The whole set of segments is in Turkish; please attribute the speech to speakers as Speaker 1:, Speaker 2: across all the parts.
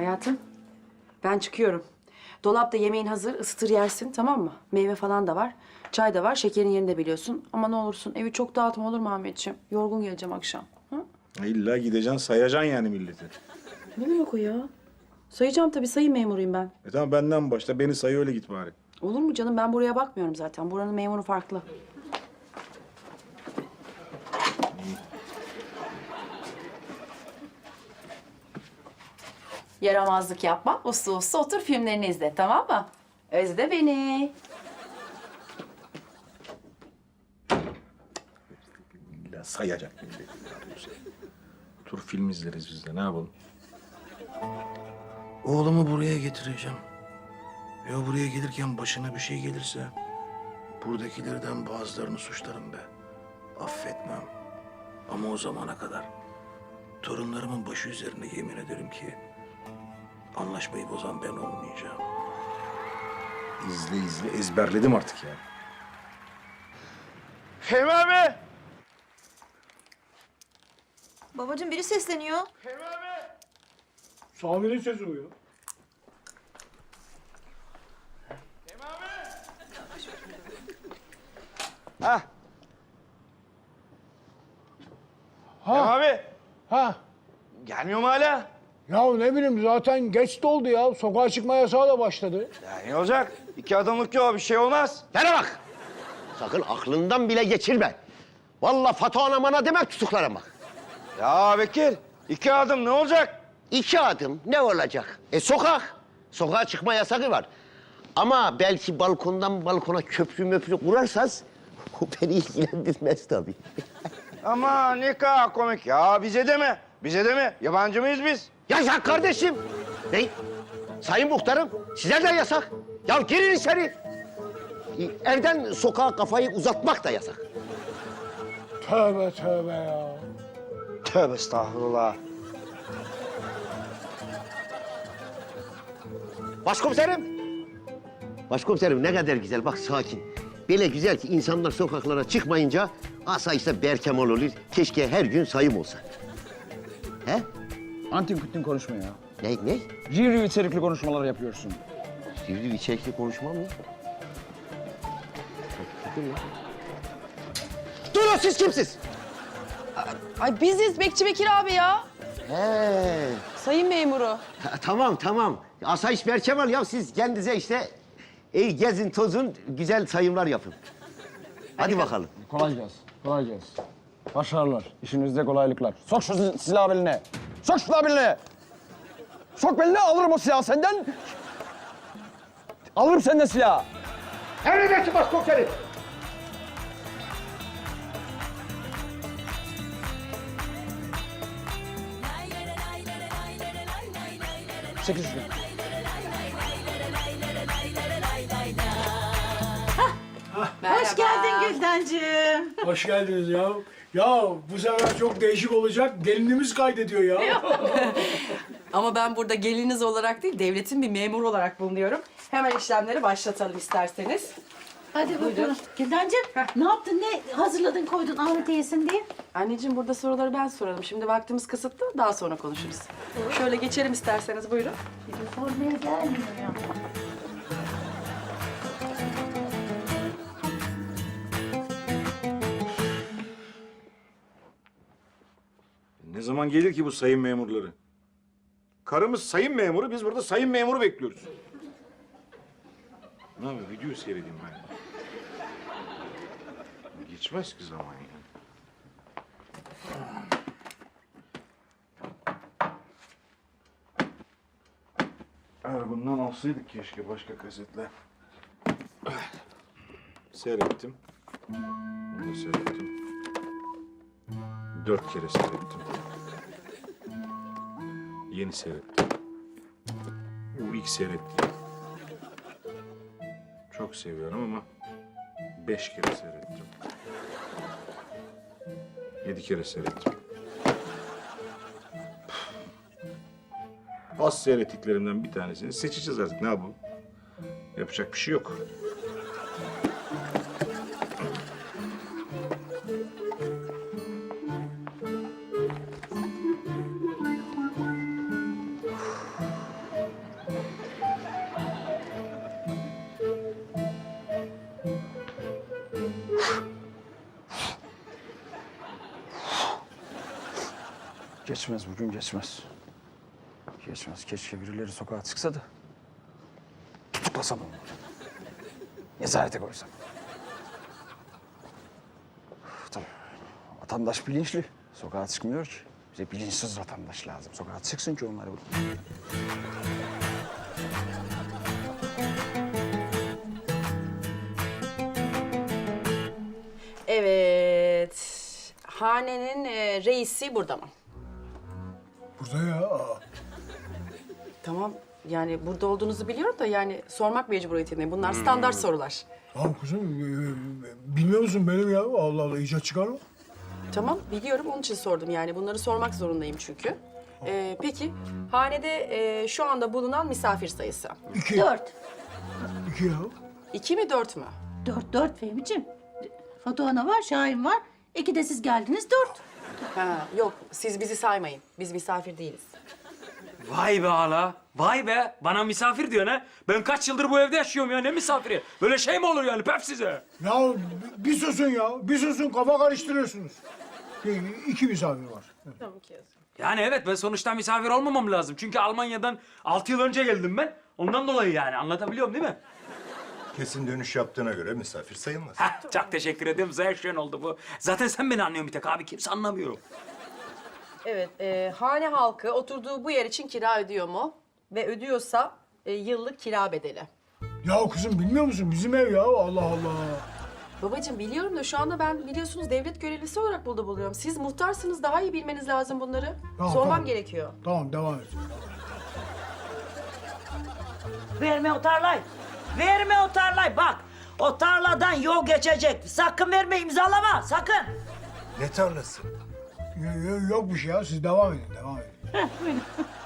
Speaker 1: Hayatım, ben çıkıyorum. Dolapta yemeğin hazır, ısıtır yersin, tamam mı? Meyve falan da var, çay da var, şekerin yerini de biliyorsun. Ama ne olursun, evi çok dağıtma olur mu Ahmetciğim? Yorgun geleceğim akşam. Hı?
Speaker 2: İlla gideceksin, sayacaksın yani milleti.
Speaker 1: Ne demek o ya? Sayacağım tabii, sayı memuruyum ben.
Speaker 2: Tamam benden başla, beni sayı öyle git bari.
Speaker 1: Olur mu canım? Ben buraya bakmıyorum zaten. Buranın memuru farklı. Yaramazlık yapma. Uslu uslu otur filmlerini izle, tamam mı? Özle beni.
Speaker 2: İlla sayacak milleti. Tur film izleriz biz de, ne yapalım? Oğlumu buraya getireceğim. Ya buraya gelirken başına bir şey gelirse... buradakilerden bazılarını suçlarım be. Affetmem. Ama o zamana kadar torunlarımın başı üzerine yemin ederim ki... anlaşmayı bozan ben olmayacağım. İzle izle ezberledim artık ya.
Speaker 3: Fehmi abi!
Speaker 4: Babacığım biri sesleniyor.
Speaker 3: Fehmi abi!
Speaker 5: Sami'nin sesi o ya.
Speaker 3: Fehmi abi! Hah. Fehmi abi!
Speaker 5: Ha.
Speaker 3: Gelmiyor mu hala?
Speaker 5: Ya ne bileyim zaten geç de oldu ya. Sokağa çıkma yasağı da başladı.
Speaker 3: Ya ne olacak? 2 adımlık yol, bir şey olmaz.
Speaker 6: Bana bak! Sakın aklından bile geçirme. Vallahi Fato anamana demek tutuklarım bak.
Speaker 3: Ya Bekir, 2 adım ne olacak?
Speaker 6: 2 adım ne olacak? Sokak. Sokağa çıkma yasağı var. Ama belki balkondan balkona köprü möprü kurarsanız... ...o beni ilgilendirmez tabii.
Speaker 3: Ama ne kadar komik ya. Bize de mi? Bize de mi? Yabancı mıyız biz?
Speaker 6: Yasak kardeşim. Ne? Sayın muhtarım, size de yasak. Ya girin içeri. Evden sokağa kafayı uzatmak da yasak.
Speaker 5: Tövbe tövbe ya.
Speaker 3: Tövbe estağfurullah.
Speaker 6: Başkomiserim. Başkomiserim ne kadar güzel, bak sakin. Böyle güzel ki insanlar sokaklara çıkmayınca asayişte berkemal olur. Keşke her gün sayım olsa. He?
Speaker 7: Antin kutin konuşma ya.
Speaker 6: Ne?
Speaker 7: Review içerikli konuşmalar yapıyorsun.
Speaker 6: Sivri içerikli konuşmam mı? Durun, siz kimsiz?
Speaker 1: Ay biziz Bekçi Bekir abi ya.
Speaker 6: He.
Speaker 1: Sayın memuru.
Speaker 6: Tamam. Asayiş berkemal ya, siz kendinize işte gezin tozun, güzel sayımlar yapın. Hadi bakalım.
Speaker 7: Kolay gelsin. Kolay gelsin. Başarılar. İşinizde kolaylıklar. Sok şu silahı beline. Sok şu silahı beline. Sok beline, alırım o silahı senden. Alırım senden silahı.
Speaker 6: Emredersin başkomiserim.
Speaker 7: Çekil şunu.
Speaker 4: Hoş geldin Güldencim.
Speaker 5: Hoş geldiniz ya. Ya bu sefer çok değişik olacak. Gelinimiz kaydediyor ya.
Speaker 1: Ama ben burada geliniz olarak değil, devletin bir memuru olarak bulunuyorum. Hemen işlemleri başlatalım isterseniz.
Speaker 4: Hadi bakalım. Güldencim ne yaptın, ne hazırladın koydun Ahmet'e yesin diye?
Speaker 1: Anneciğim burada soruları ben soralım. Şimdi vaktimiz kısıtlı, daha sonra konuşuruz. Şöyle geçelim isterseniz, buyurun.
Speaker 4: Sormaya gelmiyor ya.
Speaker 2: Ne zaman gelir ki bu sayın memurları? Karımız sayın memuru, biz burada sayın memuru bekliyoruz. Ne yapayım, video seyredeyim ben. Geçmez ki zaman yani. Bundan alsaydık keşke başka kasetle. Seyrettim. Bunu da seyrettim. 4 kere seyrettim. Yeni seyrettim. Bu ilk seyrettim. Çok seviyorum ama 5 kere seyrettim. 7 kere seyrettim. Az seyrettiklerimden bir tanesini seçeceğiz artık. Ne yapalım? Yapacak bir şey yok.
Speaker 7: Geçmez bugün geçmez. Geçmez. Keşke birileri sokağa çıksa da tutuklasam onları. Nezarete koysam. Tabii vatandaş bilinçli. Sokağa çıkmıyor ki. Bize bilinçsiz vatandaş lazım. Sokağa çıksın ki onları vurun.
Speaker 1: Evet. Hanenin reisi burada mı?
Speaker 5: Burada ya.
Speaker 1: Tamam. Yani burada olduğunuzu biliyorum da yani sormak mecburiyetindeyim. Bunlar standart sorular.
Speaker 5: Tamam kızım. Bilmiyor musun benim ya? Allah Allah icat çıkarma.
Speaker 1: Tamam biliyorum onun için sordum yani. Bunları sormak zorundayım çünkü. Peki hanede şu anda bulunan misafir sayısı?
Speaker 5: 2.
Speaker 4: 4.
Speaker 5: 2 ya.
Speaker 1: 2 mi 4 mü?
Speaker 4: 4 Fehmi'ciğim. Fatuhana var, Şahin var. 2 de siz geldiniz 4.
Speaker 1: Ha, yok siz bizi saymayın. Biz misafir değiliz.
Speaker 8: Vay be hala. Vay be. Bana misafir diyorsun ha. Ben kaç yıldır bu evde yaşıyorum ya. Ne misafiri? Böyle şey mi olur yani? Pef size.
Speaker 5: Ya bir susun ya. Bir susun kafa karıştırıyorsunuz. 2 misafir var.
Speaker 1: Tamam ki yazıyorum.
Speaker 8: Yani evet ben sonuçta misafir olmamam lazım. Çünkü Almanya'dan 6 yıl önce geldim ben. Ondan dolayı yani anlatabiliyorum değil mi?
Speaker 9: Kesin dönüş yaptığına göre misafir sayılmaz.
Speaker 8: Heh, çok teşekkür ederim. Zevşen oldu bu. Zaten sen beni anlıyorsun bir tek abi. Kimse anlamıyor.
Speaker 1: Evet, hane halkı oturduğu bu yer için kira ödüyor mu? Ve ödüyorsa yıllık kira bedeli.
Speaker 5: Ya kızım bilmiyor musun? Bizim ev ya. Allah Allah.
Speaker 1: Babacığım biliyorum da şu anda ben biliyorsunuz devlet görevlisi olarak burada buluyorum. Siz muhtarsınız daha iyi bilmeniz lazım bunları.
Speaker 5: Tamam,
Speaker 1: Sormam
Speaker 5: tamam.
Speaker 1: gerekiyor.
Speaker 5: Tamam devam et.
Speaker 10: Verme o tarlayı. Verme o tarlayı. Bak o tarladan yol geçecek. Sakın verme imzalama sakın.
Speaker 9: Ne tarlası?
Speaker 5: Yok bir şey ya. Siz devam edin. Devam edin.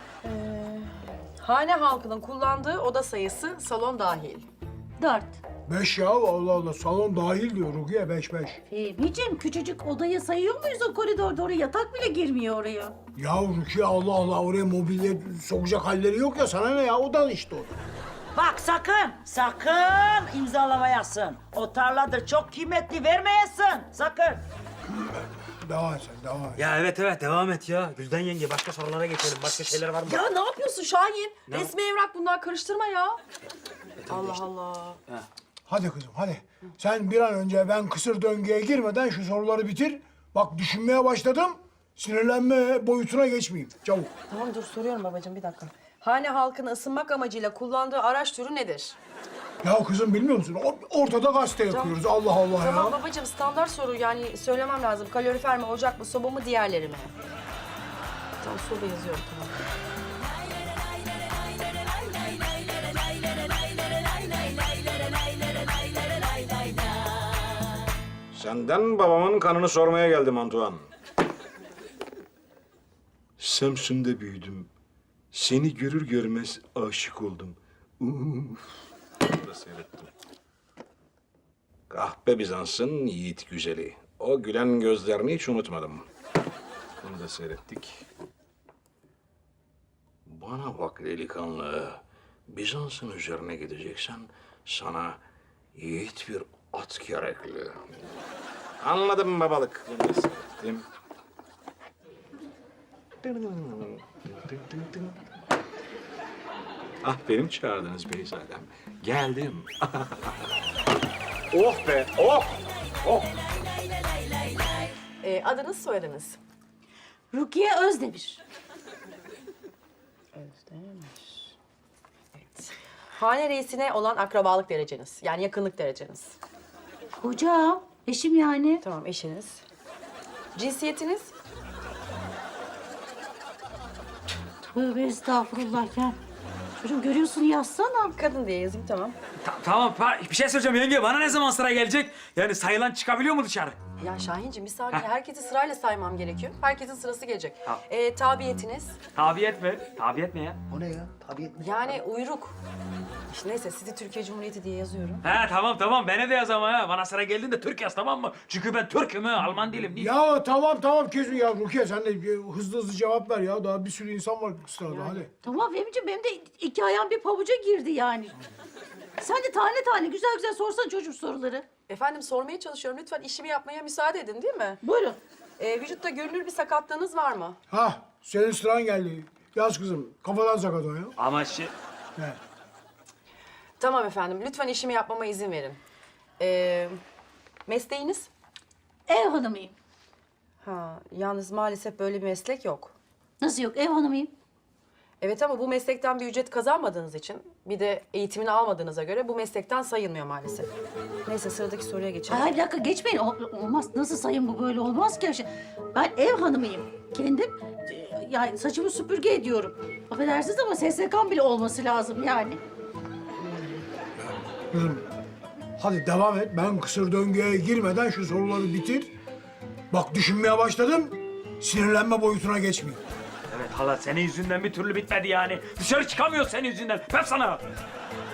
Speaker 1: Hane halkının kullandığı oda sayısı salon dahil.
Speaker 4: 4.
Speaker 5: 5 ya. Allah Allah. Salon dahil diyor Rukiye. 5.
Speaker 4: Fehmi'ciğim küçücük odayı sayıyor muyuz o koridorda? Oraya yatak bile girmiyor oraya.
Speaker 5: Ya Rukiye Allah Allah. Oraya mobilya sokacak halleri yok ya. Sana ne ya? Odan işte o.
Speaker 10: Bak sakın imzalamayasın. O tarladır çok kıymetli vermeyesin sakın.
Speaker 5: Devam et sen. Devam et.
Speaker 8: Ya evet devam et ya. Gülden yenge başka sorulara geçelim. Başka şeyler var mı?
Speaker 1: Ya ne yapıyorsun Şahin? Resmi evrak bunlar karıştırma ya. Allah Allah.
Speaker 5: Hadi kızım hadi. Sen bir an önce ben kısır döngüye girmeden şu soruları bitir. Bak düşünmeye başladım. Sinirlenme boyutuna geçmeyeyim. Çabuk.
Speaker 1: Tamam dur soruyorum babacığım bir dakika. Hane halkını ısınmak amacıyla kullandığı araç türü nedir?
Speaker 5: Ya kızım bilmiyor musun? Ortada gazete yakıyoruz. Allah Allah
Speaker 1: Tamam
Speaker 5: ya.
Speaker 1: babacığım standart soru yani söylemem lazım. Kalorifer mi, ocak mı, soba mı, diğerleri mi? Tamam soba yazıyorum tamam.
Speaker 2: Senden babamın kanını sormaya geldim Antoine. Samsun'da büyüdüm. Seni görür görmez aşık oldum. Bunu da seyrettim. Kahpe Bizans'ın yiğit güzeli. O gülen gözlerini hiç unutmadım. Bunu da seyrettik. Bana bak delikanlı. Bizans'ın üzerine gideceksen sana yiğit bir at gerekli. Anladım babalık. Bunu da seyrettim. Ah benim çağırdınız Beyzadem. Geldim. Oh be, oh! Oh!
Speaker 1: Adınız soyadınız?
Speaker 4: Rukiye Özdemir.
Speaker 1: Özdemir. Evet. Hane reisine olan akrabalık dereceniz. Yani yakınlık dereceniz.
Speaker 4: Kocam, eşim yani.
Speaker 1: Tamam eşiniz. Cinsiyetiniz?
Speaker 4: Tövbe estağfurullah ya. Çocuğum görüyorsun yazsana.
Speaker 1: Kadın diye yazayım tamam.
Speaker 8: Tamam bir şey söyleyeceğim yenge. Bana ne zaman sıra gelecek? Yani sayılan çıkabiliyor mu dışarı?
Speaker 1: Ya Şahinciğim bir saniye. Herkesi sırayla saymam gerekiyor. Herkesin sırası gelecek.
Speaker 8: Ha.
Speaker 1: Tabiyetiniz?
Speaker 8: Tabiyet mi? Tabiyet ne ya?
Speaker 6: O ne ya? Tabii.
Speaker 1: Yani uyruk. İşte neyse sizi Türkiye Cumhuriyeti diye yazıyorum.
Speaker 8: He tamam beni de yaz ama ha. Bana sıra geldiğinde Türk yaz tamam mı? Çünkü ben Türk'üm ha. Alman değilim. Değil.
Speaker 5: Ya tamam kesin ya Rukiye sen de hızlı cevap ver ya. Daha bir sürü insan var sırada hadi.
Speaker 4: Tamam Fehmi'ciğim benim de 2 ayağım bir pabuca girdi yani. Sen de tane güzel sorsan çocuk soruları.
Speaker 1: Efendim sormaya çalışıyorum. Lütfen işimi yapmaya müsaade edin değil mi?
Speaker 4: Buyurun.
Speaker 1: Vücutta görünür bir sakatlığınız var mı?
Speaker 5: Ha senin sıran geldi. Yaz kızım, kafadan sakat o ya.
Speaker 8: Ama
Speaker 5: He.
Speaker 1: Tamam efendim, lütfen işimi yapmama izin verin. Mesleğiniz?
Speaker 4: Ev hanımıyım.
Speaker 1: Ha, yalnız maalesef böyle bir meslek yok.
Speaker 4: Nasıl yok? Ev hanımıyım.
Speaker 1: Evet ama bu meslekten bir ücret kazanmadığınız için, bir de eğitimini almadığınıza göre bu meslekten sayılmıyor maalesef. Neyse sıradaki soruya geçelim.
Speaker 4: Ay bir dakika geçmeyin. Olmaz. Nasıl sayın bu böyle olmaz ki. Ben ev hanımıyım. Kendim yani saçımı süpürge ediyorum. Affedersiniz ama SSK'm bile olması lazım yani.
Speaker 5: Kızım, hadi devam et. Ben kısır döngüye girmeden şu soruları bitir. Bak düşünmeye başladım, sinirlenme boyutuna geçmeyeyim.
Speaker 8: Evet hala senin yüzünden bir türlü bitmedi yani. Dışarı çıkamıyor senin yüzünden. Hep sana.